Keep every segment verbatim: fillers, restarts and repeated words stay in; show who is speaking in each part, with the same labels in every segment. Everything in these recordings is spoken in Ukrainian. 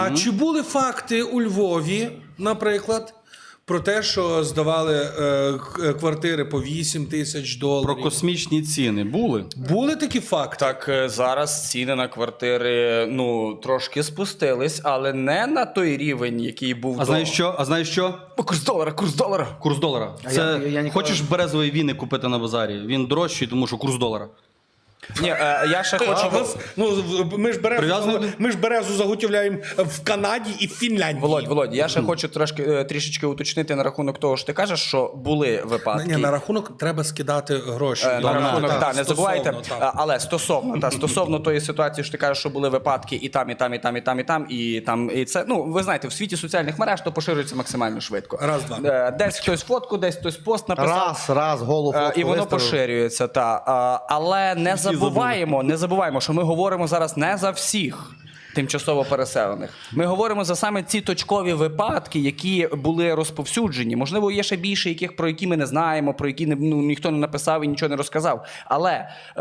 Speaker 1: А чи були факти у Львові, наприклад, про те, що здавали е, к- квартири по вісім тисяч доларів?
Speaker 2: Про космічні ціни були?
Speaker 1: Були такі факти?
Speaker 3: Так е, зараз ціни на квартири ну трошки спустились, але не на той рівень, який був
Speaker 2: А
Speaker 3: до...
Speaker 2: знаєш що? А знаєш що?
Speaker 3: О, курс долара, курс долара.
Speaker 2: Курс долара.
Speaker 4: А
Speaker 2: Це
Speaker 4: я- я ніколи-
Speaker 2: хочеш березові віни купити на базарі? Він дорожчий, тому що курс долара.
Speaker 3: Ні, е, я ще
Speaker 1: А
Speaker 3: хочу...
Speaker 1: в нас, ну, в- ми ж березу,
Speaker 2: Прив'язаний?
Speaker 1: ми ж березу заготовляємо в Канаді і в Фінляндії.
Speaker 3: Володь, Володь, я ще хочу трошки е, трішечки уточнити на рахунок того, що ти кажеш, що були випадки.
Speaker 1: Ні, на рахунок треба скидати гроші.
Speaker 3: Е, На
Speaker 1: Я-
Speaker 3: рахунок,
Speaker 1: так,
Speaker 3: так, не забувайте.
Speaker 1: стосовно, так.
Speaker 3: А, Але стосовно, та, стосовно тої ситуації, що ти кажеш, що були випадки і там, і там, і там, і там, і там, і там, і це, ну, ви знаєте, в світі соціальних мереж то поширюється максимально швидко.
Speaker 1: Раз, два.
Speaker 3: Е, Десь хтось фотку, десь хтось пост написав.
Speaker 4: Раз, раз, голову
Speaker 3: Е,
Speaker 4: фотку
Speaker 3: І воно
Speaker 4: виставив.
Speaker 3: поширюється, та. А, Але не забуваємо, не забуваємо, що ми говоримо зараз не за всіх тимчасово переселених. Ми говоримо за саме ці точкові випадки, які були розповсюджені. Можливо, є ще більше, яких, про які ми не знаємо, про які не, ну, ніхто не написав і нічого не розказав. Але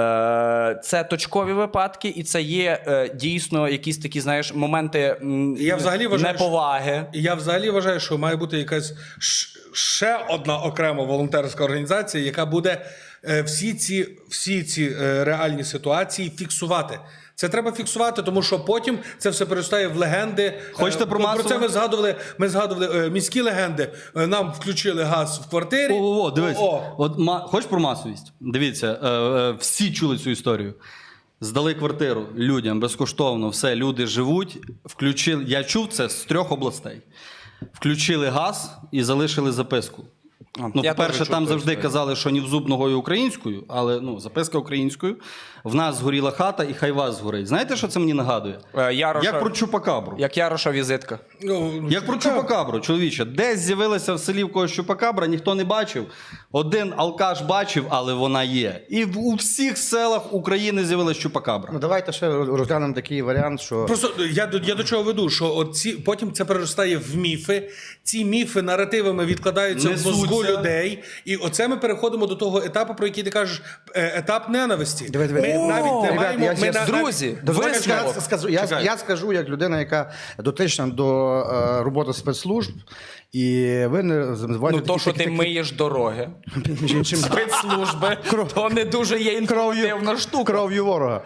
Speaker 3: е, це точкові випадки, і це є е, дійсно якісь такі, знаєш, моменти м,
Speaker 1: Я взагалі вважаю,
Speaker 3: неповаги.
Speaker 1: І я взагалі вважаю, що має бути якась ш- ще одна окрема волонтерська організація, яка буде е, всі ці, всі ці е, реальні ситуації фіксувати. Це треба фіксувати, тому що потім це все переростає в легенди.
Speaker 2: Хочете
Speaker 1: Е,
Speaker 2: про
Speaker 1: про
Speaker 2: масове?
Speaker 1: це ми згадували. Ми згадували е, міські легенди. Е, Нам включили газ в квартирі.
Speaker 2: О, о, дивись.
Speaker 1: О,
Speaker 2: От ма... Хочеш про масовість? Дивіться, е, е, всі чули цю історію. Здали квартиру людям безкоштовно, все, люди живуть. Включили, я чув це з трьох областей. Включили газ і залишили записку. Ну,
Speaker 3: Я
Speaker 2: по-перше,
Speaker 3: теж чув
Speaker 2: там
Speaker 3: ту
Speaker 2: завжди
Speaker 3: історію.
Speaker 2: казали, що ні в зуб ногою українською, але ну, записка українською. В нас згоріла хата, і хай вас згорить. Знаєте, що це мені нагадує?
Speaker 3: Е, Яроша-
Speaker 2: Як про Чупакабру.
Speaker 3: Як Яроша візитка.
Speaker 1: ну,
Speaker 2: Як про Чупакабру, чоловіче. Десь з'явилася в селі в когось Чупакабра, ніхто не бачив. Один алкаш бачив, але вона є. І в, у всіх селах України з'явилася Чупакабра.
Speaker 4: Ну давайте ще розглянемо такий варіант, що
Speaker 1: Просто я до, я до чого веду, що от ці, потім це переростає в міфи. Ці міфи наративами відкладаються в
Speaker 2: Несуться.
Speaker 1: мозку людей. І оце ми переходимо до того етапу, про який ти кажеш, е, етап ненависті.
Speaker 4: Диви, диви.
Speaker 1: Ми
Speaker 4: О,
Speaker 1: навіть не
Speaker 4: ребят,
Speaker 1: маємо...
Speaker 4: я
Speaker 1: ми
Speaker 4: щас-
Speaker 1: на-
Speaker 3: Друзі,
Speaker 4: Дозвольте,
Speaker 3: висновок.
Speaker 4: я скажу, я,
Speaker 2: Чекай.
Speaker 4: я скажу як людина, яка дотична до е, роботи спецслужб, і ви не називаєте
Speaker 3: Ну, то, що ти миєш дороги,
Speaker 4: між іншим
Speaker 3: спецслужби, то не дуже є інформативна штука.
Speaker 4: кров'ю ворога.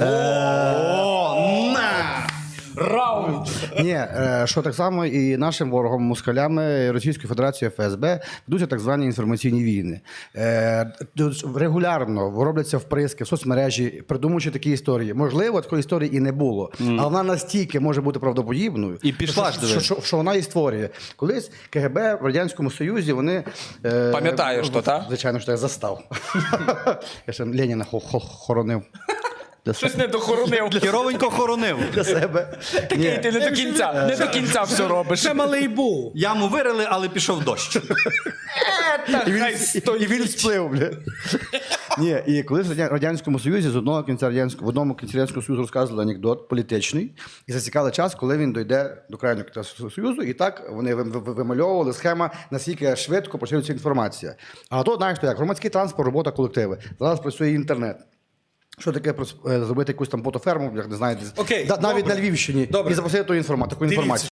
Speaker 2: О, на!
Speaker 3: Раунд!
Speaker 4: Ні, е, що так само і нашим ворогом, москалями Російської Федерації Ф С Б ведуться так звані інформаційні війни. Е, тут Регулярно робляться вприски в соцмережі, придумуючи такі історії. Можливо, такої історії і не було, але вона настільки може бути правдоподібною,
Speaker 2: І пішла ж,
Speaker 4: що,
Speaker 2: диви.
Speaker 4: що, що, що вона і створює. Колись К Г Б в Радянському Союзі вони... Е,
Speaker 3: Пам'ятаєш то, та?
Speaker 4: Звичайно, що я застав. Я ще Леніна хо- хо- хоронив. Для
Speaker 3: Щось не дохоронив.
Speaker 2: Херовенько хоронив.
Speaker 4: для себе.
Speaker 3: Такий
Speaker 4: Ні.
Speaker 3: ти не до кінця, не до кінця все робиш.
Speaker 1: Це малий був.
Speaker 2: Яму вирили, але пішов дощ.
Speaker 4: І він, і він сплив, бля. Ні, і колись в Радя- Радянському Союзі з одного кінця радянського, в одному кінці Радянського Союзу розказували анекдот політичний, і засікали час, коли він дойде до крайнього кінця Союзу, і так вони ви- ви- вимальовували схема, наскільки швидко поширюється інформація. А то, знаєш, то як, громадський транспорт, робота колективи. Зараз працює інтернет. Що таке прос- е, зробити якусь там ботоферму, як не знаю, десь-
Speaker 1: Окей,
Speaker 4: да- навіть
Speaker 1: добре.
Speaker 4: на Львівщині,
Speaker 1: Добре.
Speaker 4: і запросити ту інформацію, таку
Speaker 1: Дивіться,
Speaker 4: інформацію.